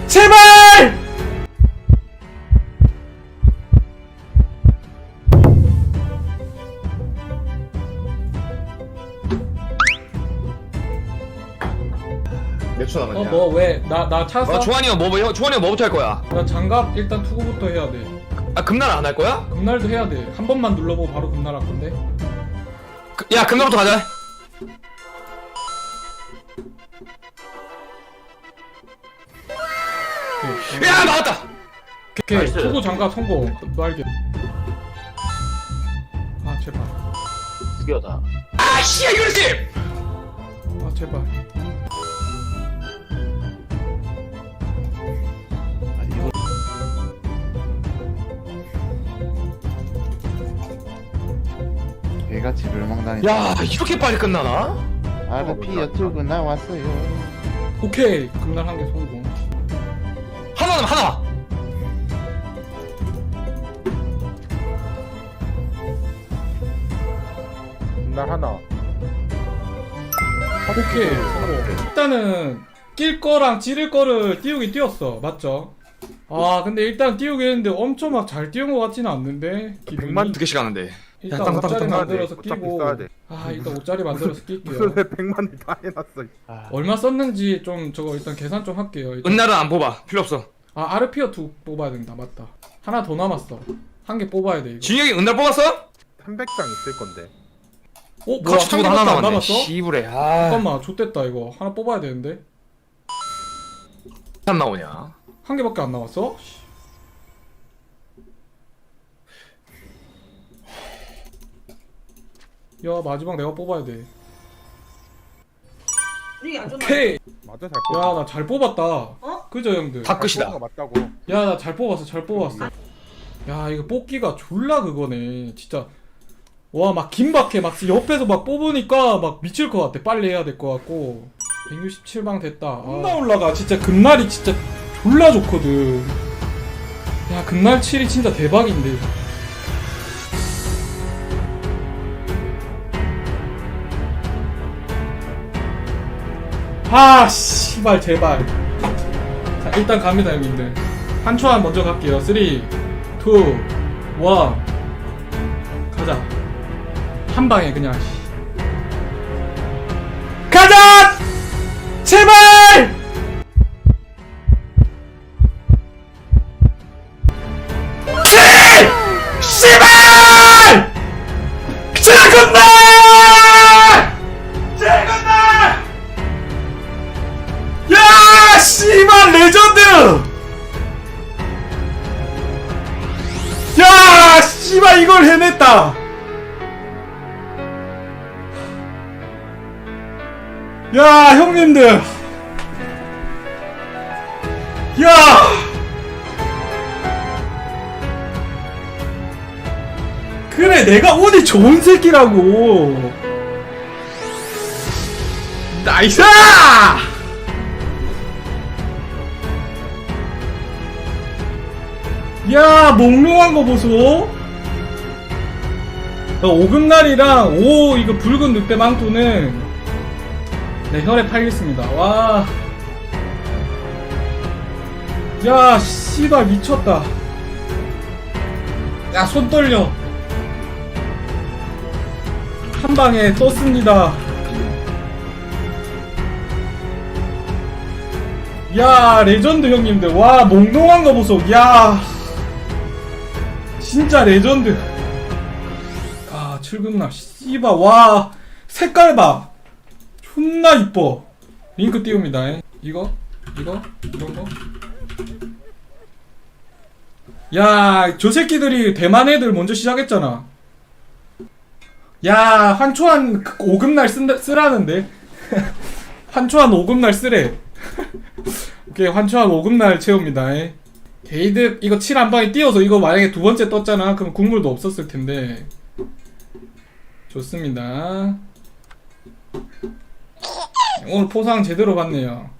제발! 몇 초 남았냐? 뭐 왜? 나 찾았어? 조한이 형 조한이 형 뭐부터 할 거야? 나 장갑 일단 투구부터 해야 돼. 아 금날 안 할 거야? 금날도 해야 돼. 한 번만 눌러보고 바로 금날 할 건데. 야 금날부터 가자. 야 나왔다. 오케이. 나이스. 투구 장갑 성공. 날개. 아 제발. 죽여다. 아씨 이거지. 아 제발. 아니 이거 개같이 멸망당했다. 야 이렇게 빨리 끝나나? RP 유튜브 나왔어요. 오케이. 금날 한 개 성공. 하나 남아 하나. 날 하나. 오케이. 성공. 일단은 낄 거랑 찌를 거를 띄우긴 띄웠어. 맞죠? 아 근데 일단 띄우긴 했는데 엄청 막 잘 띄운 것 같지는 않는데 기분이. 100만 2개씩 하는데. 일단 땅, 땅, 5짜리 땅, 땅 만들어서 어차피 끼고. 써야 돼. 아 일단 5짜리 만들어서 낄게요. 무슨 왜 100만을 다 해놨어. 얼마 썼는지 좀 저거 일단 계산 좀 할게요. 일단. 은날은 안 뽑아 필요 없어. 아 아르피어 2 뽑아야 된다. 맞다. 하나 더 남았어. 한 개 뽑아야 돼 이거. 진혁이 은날 뽑았어? 300장 있을 건데. 뭐야? 커치 한 투구도 하나 개밖에 안 남았네. 남았어? 시부래. 아. 잠깐만 좆됐다 이거. 하나 뽑아야 되는데. 안 나오냐? 한 개밖에 안 남았어? 야 마지막 내가 뽑아야 돼. 분위기 안 좋나? 오케이. 맞아 잘 야 뽑았어. 나 잘 뽑았다. 어? 그죠 형들? 다 끝이다. 뽑은 거 맞다고. 야 나 잘 뽑았어 잘 뽑았어. 야 이거 뽑기가 졸라 그거네 진짜. 와 막 긴박해. 막 옆에서 막 뽑으니까 막 미칠 것 같아. 빨리 해야 될 것 같고. 167방 됐다. 존나 올라가. 진짜 금날이 진짜 졸라 좋거든. 야 금날 7이 진짜 대박인데. 아 씨발 제발. 자 일단 갑니다 형님들. 한 초안 먼저 갈게요. 3 2 1 가자. 한 방에 그냥 가자! 제발! 씨발! 제군날! 제군날! 야 씨발 레전드! 야 씨발 이걸 해냈다. 야 형님들 야 그래 내가 운이 좋은 새끼라고. 나이스! 야 몽롱한 거 보소. 5금날이랑 5 이거 붉은 늑대 망토는 네 혈에 팔겠습니다. 와. 야 씨발 미쳤다. 야 손 떨려. 한 방에 떴습니다. 야 레전드 형님들. 와 몽롱한 거 보소. 야 진짜 레전드. 아 7금날 씨발. 와 색깔 봐. 존나 이뻐. 링크 띄웁니다. 이거 이런 거. 야 저 새끼들이 대만 애들 먼저 시작했잖아. 야 환초한 5금날 쓰라는데. 환초한 5금날 쓰래. 오케이 환초한 5금날 채웁니다. 게이드 이거 7 한 방에 띄워서 이거 만약에 두 번째 떴잖아. 그럼 국물도 없었을 텐데. 좋습니다. 오늘 포상 제대로 받네요.